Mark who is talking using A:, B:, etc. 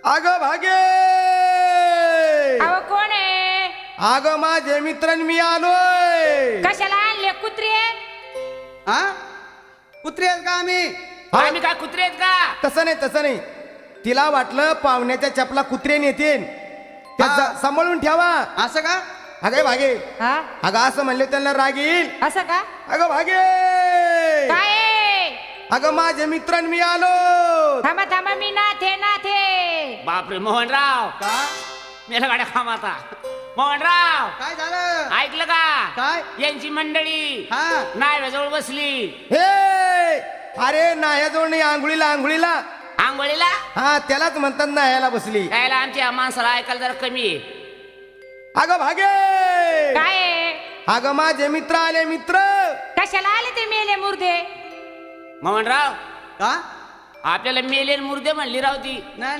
A: अग भागे
B: अहो कोण आहे?
A: अग माझे मित्र मी आलोय.
B: कशाला आणले कुत्रे?
C: हा कुत्री आहेत का आम्ही?
D: आम्ही काय कुत्रे आहेत का?
A: तसं नाही तिला वाटलं पाहुण्याच्या चपला कुत्रे नेतील त्या
C: हा.
A: सांभाळून ठेवा.
C: असं का?
A: अगं भागे
B: हा
A: अगं असं म्हणले त्यांना राग येईल.
B: असं का?
A: अगं भागे
B: काय आहे?
A: अगं माझे मित्र मी आलो.
B: थांबा थांबा मी नाथे नाथे.
D: बापरे मोहनराव
C: का
D: मेला गाड्या खामाता. मोहनराव
C: काय झालं?
D: ऐकलं का?
C: काय?
D: यांची मंडळी
C: हा
D: नाव्याजवळ बसली.
A: हे अरे नायाजवळ नाही, आंघोळीला
D: आंघोळीला
A: हा त्यालाच म्हणतात नायाला बसली.
D: यायला आमच्या माणसाला ऐकायला जरा कमी आहे.
A: अगं भागे
B: काय आहे?
A: अगं माझे मित्र आले. मित्र
B: कशाला आले ते मेले मुर्दे?
D: मोहनराव
C: का
D: आपल्याला मेलेन मुर्दे म्हणली राव ती.
C: नाही